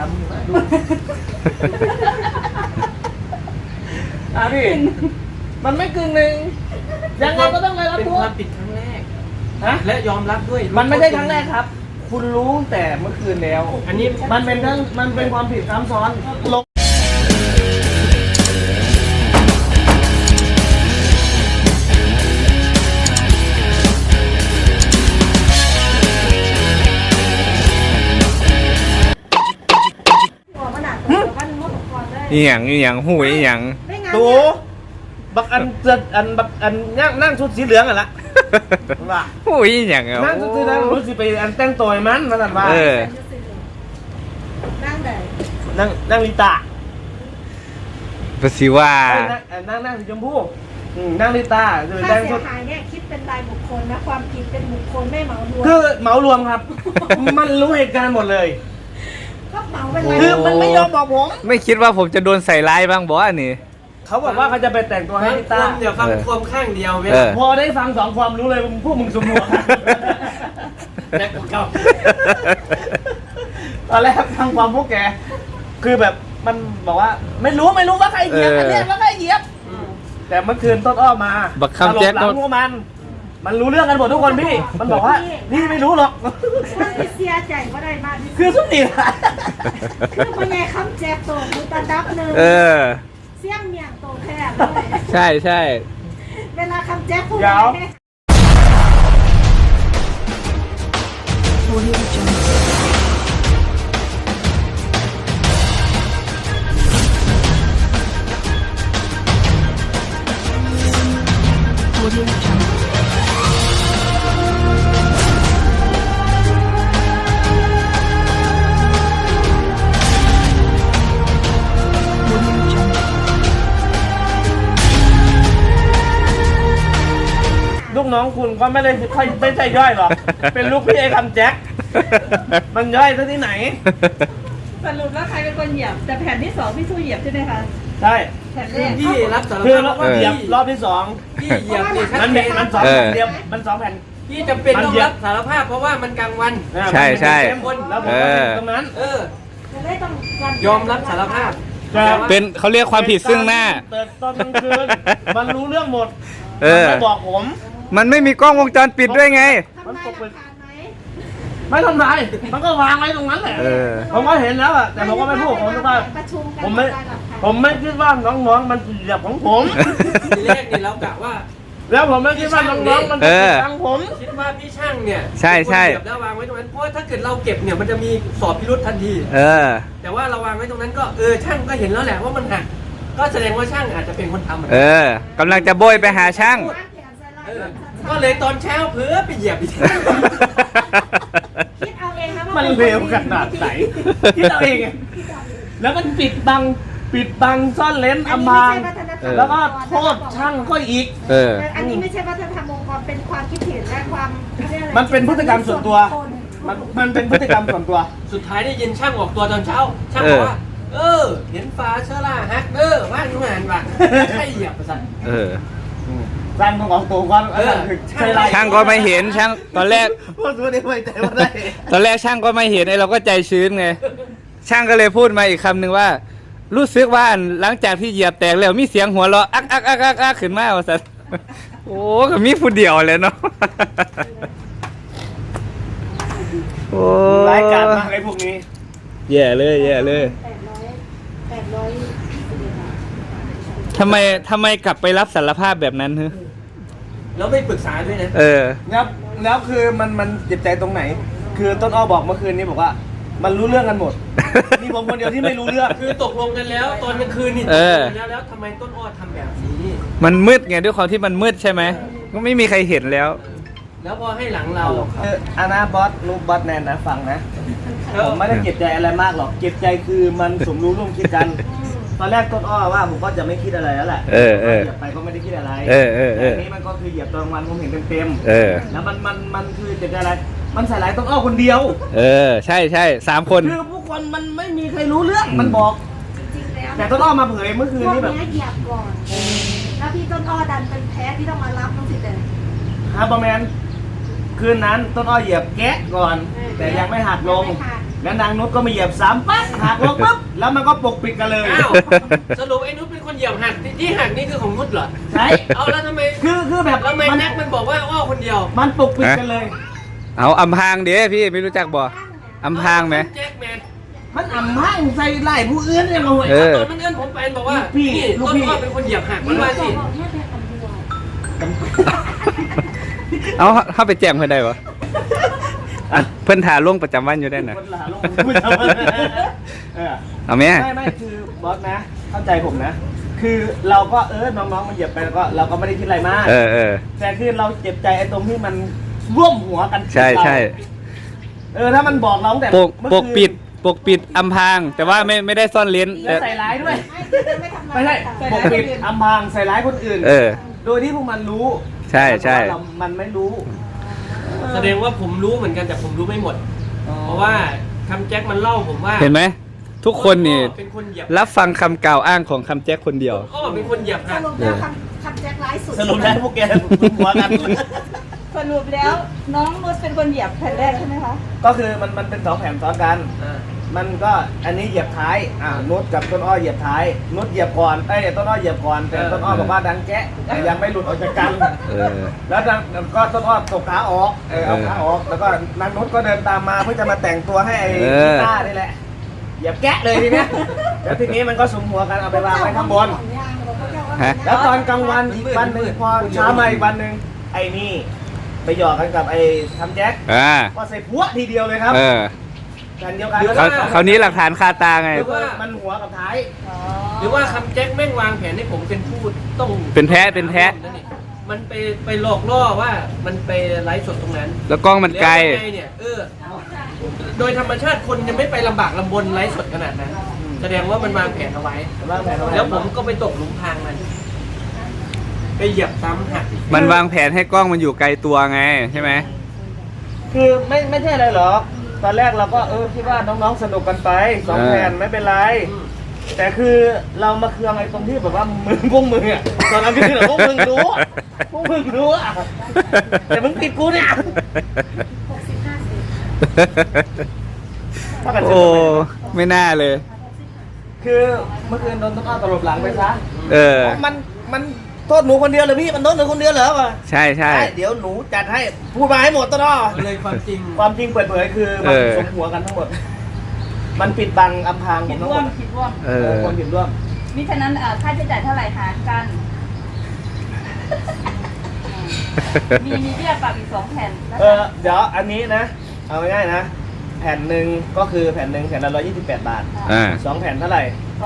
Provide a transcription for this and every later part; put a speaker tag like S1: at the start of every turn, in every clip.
S1: ำอยู่นะดูพี่มันไม่กึ่งหนึ่งยังไงก็ต้องไปรับ
S2: เป็น
S1: โท
S2: ค
S1: ษ
S2: วามผิดครั้งแรก
S1: ฮะ
S2: และยอมรับด้วย
S1: มันไม่ใช่ครั้งแรกครับ คุณรู้แต่เมื่อคืนแล้ว
S2: อันนี้
S1: มันเป็นความผิดซ้ำซ้อนลง
S3: อีหยังหูอีหยัง
S1: ดูบักอันนั่งชุดสีเหลืองอ่ะละว่า
S3: หูอีหยังอ่ะ
S1: นั่งชุดสีเหลืองรู้สิไปอันแต่งตัวให้มันสั่นว่า นั่งลิตา
S3: ภาษีว่า
S1: นั่งสีชมพูนั่งลิตาจะไป
S4: ค่า
S1: แต่ง
S4: เสี
S1: ชุ
S4: ย
S1: ด
S4: หายเนี่ยคิดเป็นรายบุคคลนะความผิดเป็นบุคคลไม่เหมารวม
S1: คือเหมารวมครับ มันรู้เหตุการณ์หมดเลย
S4: ก็เหมาเป็นราย
S1: คือมันไม่ยอมบอกผม
S3: ไม่คิดว่าผมจะโดนใส่ร้ายบ้างบอสนี่
S1: เขาบอกว่าเขาจะไปแต่งตัวให้
S2: ฟัง
S1: ลิ
S2: ควา
S1: ตา
S2: มเดี๋ยวฟังความข้างเดียวเว้ย
S1: พอได้ฟังสองความรู้เลยพวกมึงสมหัว
S2: แรกเก่า
S1: ตอนแรกฟังความพวกแก คือแบบมันบอกว่าไม่รู้ว่าใครเหยียบอันเนี้ยว่าใครเหยียบ แต่เมื่อคืนต้นอ้อมา
S3: บักคำแจ็ค
S1: ตลบหลังพวกมันรู้เรื่องกันหมดทุกคนพี่ มันบอกว่าพี่ไม่รู้หรอก
S4: มันที่เสียใจก็ได้มากที่สุด
S1: คือสุดนี่แหละ
S4: คือพ่อใหญ่คำแจกโตคือตันดับหนึ่ง
S3: เออ
S4: เสี่ยงเมียงโตแท้เลย
S3: ใช่
S4: เวลาคำแจกพูด
S1: เดี๋ยว
S4: แม่
S1: ลูกน้องคุณก็ไม่ใช่ย่อยหรอก เป็นลูกพี่ไอ้คำแจ็ค มันย่อยซะที่ไหน
S5: สรุปแล้วใครเป็นคนเหยียบ แต่แผ่นที่สองพี่สู้เหยียบใช่ไหมคะ
S1: ใช่
S5: แผ่นแร
S2: คือก พี่รับสาร
S1: คือ
S2: ภาพว่า
S1: เหยียบรอบที่สอง
S2: พี่เหยียบนี่ชัด
S1: มัน
S2: เจ
S1: เป็น
S2: น
S1: มันสองแผ่นเดียวมันสองแผ่น
S2: พี่จำเป็นต้องรับสารภาพเพราะว่ามันกลางวัน
S3: ใช่ใช่
S1: แล้วผมก็อยู่ตรงนั้น
S4: จะได้ต้องการ
S2: ยอมรับสารภาพ
S1: แต่ว่า
S3: เป็นเขาเรียกความผิดซึ่งหน้า
S1: แต่ตอนกลางคืนมันรู้เรื่องหมด
S3: เออ
S1: มันไม่บอกผม
S3: มันไม่มีกล้องวงจรปิดด้วยไง
S4: ทำลายหลักฐานไหม
S1: ไม่ทำไรมันก็วางไว้ตรงนั้นแหละ
S3: เออ
S1: ผมก็เห็นแล้วอะแต่ผมก็ไม่พูดผมคิดว่า
S4: ประชุมกัน
S1: ผมไม่
S4: ทำลายหลักฐาน
S1: ผมไม่คิดว่าน้องๆมันเหยียบของผม
S2: ทีแรกนี่เรากะว่า
S1: แล้วผมไม่คิดว่าน้องๆมันจะเหยียบของผม
S2: คิดว่าพี่ช่างเนี่ย
S3: ใช่
S2: เหยียบแล้ววางไว้ตรงนั้นเพราะว่าถ้าเกิดเราเก็บเนี่ยมันจะมีสอบพิรุษทันที
S3: เออ
S2: แต่ว่าเราวางไว้ตรงนั้นก็ช่างก็เห็นแล้วแหละว่ามันหักก็แสดงว่าช่างอาจจะเป็นคนทำ
S3: เออกำลังจะโบยไปหาช่าง
S2: ก็เลยตอนเช้าเผลอไปเหยียบอีก
S4: คิดเอาเองนะว่า
S1: มันเร็วขนาดไหนคิดเอาเองอะแล้วมันปิดบังซ่อนเลนอำพรางแล้วก็โทษช่างก็อีก
S3: เออ
S4: อันนี้ไม่ใช่วัฒนธรรมองค์กรเป็นความคิดเห็นและความเขารียกอะไร
S1: มันเป็นพฤติกรรมส่วนตัว มันเป็นพฤติกรรมส่วนตัว
S2: สุดท้ายได้ยินช่างออกตัวตอนเช้า ช่างบอกว่า เห็นฟ้าเชอร่าฮักว่างทุกงานว่ะใช่เหยียบประสัน
S3: เออ
S1: สร้างของตัวก่อนใช่ไร
S3: ช่างก็ไม่เห็นช่างตอนแรก
S1: พูดไม่ได้ไม่แต่ว่าได้
S3: ตอนแรกช่างก็ไม่เห็นไอ้เราก็ใจชื้นไง ช่างก็เลยพูดมาอีกคำหนึ่งว่า รู้สึกว่าหลังจากที่เหยียบแตกแล้วมีเสียงหัวเราะอักขึ้นมาว่าสันโอ้ก็มีผู้เดียวเลยเนาะโอ้
S1: รายการมากไอ้พวกนี้
S3: แย่เลยทำไมกลับไปรับสารภาพแบบนั้นฮะ
S2: แล้วไม่ปรึกษาด้วยนะ
S3: เออ
S1: แล้วคือมันเจ็บใจตรงไหน คือต้นอ้อบอกเมื่อคืนนี้บอกว่า มันรู้เรื่องกันหมด มีผมคนเดียวที่ไม่รู้เรื่อง
S2: คือตกลงกันแล้วตอนกลางคืนนี่ต
S3: เอก
S2: ล
S3: อ
S2: งกันแล้วทำไมต้นอ้อทำแบบนี้
S3: มันมืดไงด้วยความที่มันมืดใช่ไหมก็ไม่มีใครเห็นแล้ว
S2: แล้วพอให้หลังเรา
S1: อานาบอสนูบอสแนนนะฟังนะ ผมไม่ได้เก็บใจอะไรมากหรอก เก็บใจคือมันสมรู้ร่วมคิดกัน ตอนแรกต้นอ้อว่าผมก็จะไม่คิดอะไรแล้วแหละ
S3: เออ
S1: เหยียบไปก็ไม่ได้คิดอะไร
S3: เออ
S1: แต่อันนี้มันก็คือเหยียบตอนกลางวันผมเห็นเต็ม
S3: เออ
S1: ๆแล้วมันคือเจ็บใจอะไร มันใส่ร้ายต้นอ้อคนเดียว
S3: เออ ใช่3 คน
S1: คือผู้คนมันไม่มีใครรู้เรื่อง มันบอก
S4: จริงๆแล้ว
S1: แต่ต้นอ้อมาเผยเมื่อคืน
S4: พวก
S1: นี้แบบ
S4: เนี้ยเหยียบก่อน แล้วพี่ต้นอ้อดันเป็นแพ้ที่ต้องมารับต้องสิแต่
S1: ฮาร์บอร์แมนคืนนั้นต้นอ้อเหยียบแกะก่อน แต่ยังไม่หักลง
S4: ยังไม่หัก
S1: แล้วนางนุชก็มาเหยียบซ้ำปั๊บหักลงปุ๊บแล้วมันก็ปกปิดกันเลย
S2: อ้าวสรุปไอ้นุชเป็นคนเหยียบหักที่หักนี่คือของนุชเหรอ
S1: ใช่
S2: เอาแล้วทำไม
S1: คือแบบ
S2: แล้วทำไมแน็กมันบอกว่าอ้อคนเดียว
S1: มันปกปิดกันเลย
S3: เอาอำพรางเด้พี่ไม่รู้จักบ่อำพรางไหม
S2: แจ็คแมน
S1: มันอ่ำห้างใส่ไล่ผู้อื่นยังไง
S3: เออ
S2: ตอนนั้นเอื้อนผมไปบอกว่า
S1: พี่
S2: นี่
S1: ลูก
S2: ต้น
S1: พี่
S2: อ้อเป็นคนเหยียบหักมันว่าสิ
S4: บอกแค่เป็นคำเดียว
S3: เอาเข้าไปแจ้งเพื่อนได้ปะอ่ะเพื่อนถ่าลงประจำวันอยู่ได้น่ะ
S1: คนละลงพูดเอาเออ
S3: เอาไหม
S1: ไม่คือบอสนะ เข้าใจผมนะ คือเราก็น้องๆมันเหยียบไปแล้วก็เราก็ไม่ได้คิดอะไรมาก
S3: เออ
S1: แต่คือเราเจ็บใจไอ้ตรงที่มันร่วมหัวกัน
S3: ใช่ใช่
S1: ถ้ามันบอกเราตั้งแต่
S3: ปก
S1: เมื่อ
S3: ปก
S1: คืน
S3: ปิดอำพราง แต่ว่าไม่ได้ซ่อนเลน
S1: แล้วใส่ร้ายด้วย
S4: ไม่ทำ
S1: ไม่ใช่ปกปิดอำพรางใส่ร้ายคนอื่น
S3: เออ
S1: โดยที่พวกมันรู้
S3: ใช่ใช่
S1: แต่ว่ามันไม่รู้
S2: แสดงว่าผมรู้เหมือนกันแต่ผมรู้ไม่หมด เพราะว่าคำแจ็คมันเล่าผมว่า
S3: เห็นไหมทุกคนนี่
S2: เป็นคนเหยียบ
S3: รับฟังคำกล่าวอ้างของคำแจ็คคนเดียว
S2: อ้อเป็นคนเหยียบ
S4: ส
S2: หัก
S4: รุปแล้วคำแจ็คร้ายสุด
S1: สรุปแล้วพวกแกหัวกัน
S5: สรุปแล้วน้องนุชเป็นคนเหยียบแผ่นแรกใช่ไหมคะ
S1: ก็คือมันเป็น2 แผ่นซ้อนกัน มันก็อันนี้เหยียบท้ายนุชกับต้นอ้อเหยียบท้าย นุชเหยียบก่อนต้นอ้อเหยียบก่อน แต่ต้นอ้อบอกว่าดังแจ๊ะแต่ยังไม่หลุดออกจากกัน
S3: เออ
S1: แล้วก็ต้นอ้อตกขาออกเอาขาออก แล้วก็นางนุชก็เดินตามมาเพื่อจะมาแต่งตัวให้ไอ้กีตาร์นี่แหละ เหยียบแกะเลยทีเนี้ย แล้วทีนี้มันก็สุมหัวกันเอาไปวางไว้ข้างบน แล้วตอนกลางวันอีกวันหนึ่งพอเช้ามาอีกวันหนึ่งไอ้นี่ ไปหยอกกันกับไอ้ทำแจ็ค ก็ใส่พัวทีเดียวเลยครับ
S3: เออ
S1: กันเดียวกัน
S3: เขาวนี้หลักฐานคาตาไง
S1: หรือว่ามันหัวกับท้าย
S2: หรือว่าคำแจ็คแม่งวางแผนให้ผมเป็นผู้ต้อง
S3: เป็นแพ้เป็นแพ้
S2: มันไปหลอกล่อว่ามันไปไลฟ์สดตรงนั้น
S3: แล้วกล้องมันไกล
S2: แล้วยังไงเนี่ยโดยธรรมชาติคนยังไม่ไปลำบากลำบนไลฟ์สดขนาดนั้น แสดงว่ามันวางแผนเอาไว้ แล้วผมก็ไปตกหลุมพรางมัน ไปเหยียบซ้ำหักอีก
S3: มันวางแผนให้กล้องมันอยู่ไกลตัวไงใช่ไหม
S1: คือไม่ใช่อะไรหรอก ตอนแรกเราก็คิดว่าน้องๆสนุกกันไป2 แผ่นไม่เป็นไร แต่คือเรามาเคืองไอ้ตรงที่แบบว่าพวกมึงอ่ะตอนนั้นคือพวกมึงรู้อะพวกมึงรู้อ่ะแต่มึงติดกูเนี่ย
S3: โอ้ไม่น่าเลย
S1: คือเมื่อคืนโดนต้นอ้อตลบหลังไปซะ
S3: เออ
S1: มันโทษหนูคนเดียวเหรอพี่มันโทษหนูคนเดียวเหรอวะ
S3: ใช่ใช่
S1: เดี๋ยวหนูจัดให้พูดมาให้หมดต้นอ้อ
S2: เลยความจริง
S1: ความจริงเปิดเผยคือมันสมหัวกันทั้งหมด มันปิดบังอำพรางผ
S5: คิ
S1: ม
S5: ด
S1: ทั้ง
S5: ร่
S1: ห
S5: ว
S1: ม
S5: ม
S1: ด
S5: คิดร่วม
S3: เออ
S1: คนผิดร่วม
S5: มิฉะนั้นค่าใช้จ่ายเท่าไหร่หารกัน มีเบี้ยปรับอีก2 แผ่นนะคะ
S1: เดี๋ยวอันนี้นะ เอาง่ายๆนะ แผ่นหนึ่งก็คือแผ่นหนึ่งแผ่นละ128 บาท
S3: อ่า
S1: 2 แผ่นเท่าไหร่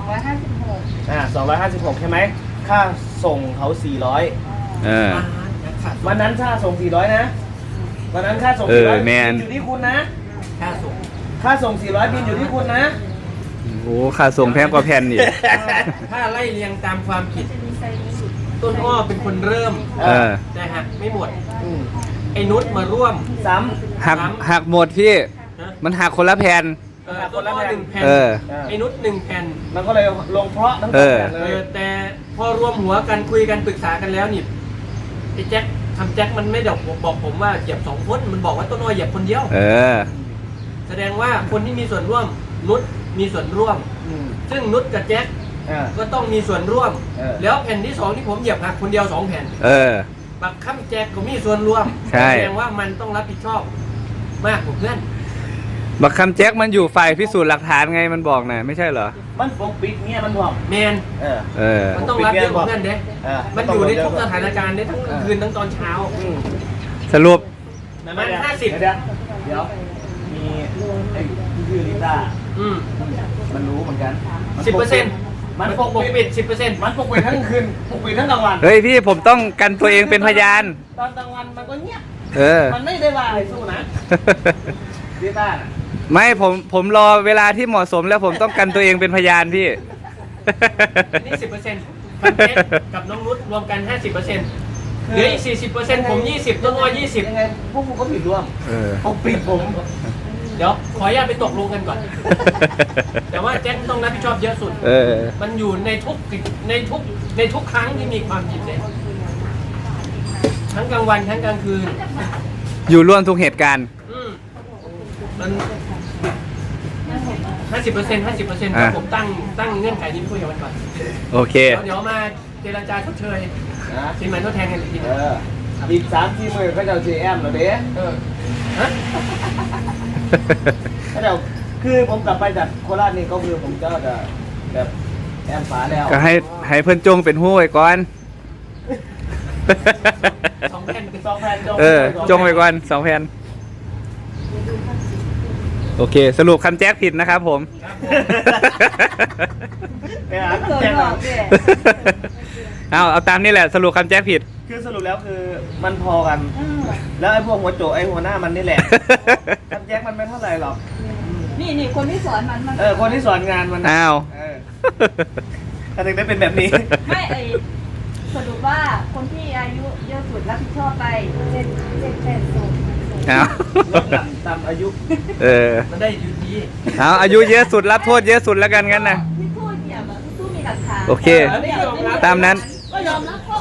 S5: 256
S1: 256 ใช่ไหมค่าส่งเขา400
S3: เออ
S1: วันนั้นค่าส่ง400นะวันนั้นค่าส่ง
S3: เออ
S1: 400
S3: แมน
S1: บิอยู่ที่คุณนะ
S2: ค่าส่ง
S1: ค่าส่ง400บินอยู่ที่คุณนะ
S3: โอ้ค่าส่งแพงกว่าแผ่นอีก
S2: ถ้าไล่เรียงตามความผิด
S5: มีไซส์นี้สุด
S2: ต้นอ้อเป็นคนเริ่ม
S3: เออ
S2: แต่หักไม่หมด
S1: อืม
S2: ไอ้นุชมาร่วม
S1: ซ้
S3: หักหมดพี่
S2: นะ
S3: มันหักคนละแผ่น
S2: ต้นอ้อ1 แผ่น
S3: เออ
S1: ำ
S2: ไอ้นุช1 แผ่น
S1: มันก็เลยลงเพราะทั้งส
S3: เอ
S1: อง
S3: อ
S1: แผ่นเลย
S2: แต่พอรวมหัวกันคุยกันปรึกษากันแล้วนี่ไอ้แจ็คทำแจ็คมันไม่ได้บอกผมว่าเหยียบ2 คนมันบอกว่าต้นอ้อเหยียบคนเดียว
S3: เออ
S2: แสดงว่าคนที่มีส่วนร่วมนุชมีส่วนร่วม
S1: อืม
S2: ซึ่งนุชกับแจ็ค
S1: อ่า
S2: ก็ต้องมีส่วนร่วม
S1: เออ
S2: แล้วแผ่นที่ 2 ที่ผมเหยียบหักคนเดียว 2 แผ่น
S3: เออ
S2: บักค่ำแจ็คก็มีส่วนร่วม
S3: ใช่
S2: แสดงว่ามันต้องรับผิดชอบมากกว่าเพื่อน
S3: บักคำแจ็คมันอยู่ฝ่ายพิสูจน์หลักฐานไงมันบอกนะไม่ใช่เหรอ
S1: มันปกปิดเนี่ยมันบอก
S2: แมน
S1: เออ
S3: เออ
S2: มันต้องรับเยอะกว่าเพื่อนเด้ มันอยู่ในทุกสถานการณ์ได้ทั้งกลางคืนทั้งตอนเช้า
S1: อืม
S3: สรุป
S2: มัน 50
S1: เดี๋ยวมีไอ้ที่ชื่อลิซ่า
S2: อืม
S1: มันรู้เหมือนกัน
S2: 10%
S1: มันปก
S2: ปก
S1: ปิ
S2: ปิ
S1: ด
S2: ด 10%
S1: มันปกปิดทั้งคืนปกปิดทั้งกลางวัน
S3: เฮ้ยพี่ผมต้องกันตัวเองเป็นพยาน
S1: ตอนกลางวันมันก็เงียบ
S3: เออ
S1: มันไม่ได้ว่าอะไรสู้นะลิซ่าน่ะ
S3: ไม่ผมรอเวลาที่เหมาะสมแล้วผมต้องกันตัวเองเป็นพยานพี่
S2: นี่ 10%พันเจ็ดกับน้องนุชรวมกัน 50%เหลืออีก 40% ผม 20 ต้นอ้อ
S1: ยังไงพวกกูก็ผิดร่วม
S3: เออ
S1: ปกปิดผม
S2: 20 เดี๋ยวขออนุญาตไปตกลงกันก่อน แต่ว่าแจ็คต้องรับผิดชอบเยอะสุด
S3: เออ
S2: มันอยู่ในทุกครั้งที่มีความผิดเลยทั้งกลางวันทั้งกลางคืน
S3: อยู่ร่วมทุกเหตุการณ์
S2: มัน 50%ครับผมตั้งเงื่อนไขนี้คุยกับมันก่อน
S3: โอเค
S2: เดี๋ยวมาเจรจาชดเชย
S1: นะ
S2: สินไหมทดแทนกันอีกที
S1: อีก3-4 มื้อก็จะเอา CM แล้วเด้
S2: ฮะ
S1: ก็เดี๋ยวคือผมกลับไปจากโคราชนี่ก็คือผมจะแบบแอมฝาแล้ว
S3: ก็ให้เพิ่นจงเป็นหู้ไว้ก่อน
S2: 2 แผ่น
S1: 2 แผ่น
S3: จงไว้ก่อน2 แผ่นโอเค สรุปคำแจ็คผิดนะครับผม
S1: ไปหา
S4: โดน
S1: แจ้ง
S4: หล
S1: หน่
S4: อ
S1: อก ย
S4: เนี่ย
S3: เอาตามนี่แหละสรุปคำแจ็คผิด
S1: คือสรุปแล้วคือมันพอกัน แล้วไอ้พวกหัวโจกไอ้หัวหน้ามันนี่แหละคำแจ็คมันไม่เท่าไหร่หรอก
S5: นี่คนที่สอนมัน
S1: คนที่สอนงานมัน
S3: อ้าว
S1: ถ้าถึงได้เป็นแบบนี้
S5: ไม่สรุปว่าคนที่อายุเยอะสุดรับผิดชอบไป
S3: เอา
S1: ลดต่ำอายุ
S2: มันได้อยู่ดี
S3: เอาอายุเยอะสุดรับโทษเยอะสุดแล้วกันงั้นนะ
S5: ที่พูดเหยียบพี่พูดมีหลักฐาน
S3: โอเค ตามนั้น
S5: ก็ยอมรับข้อ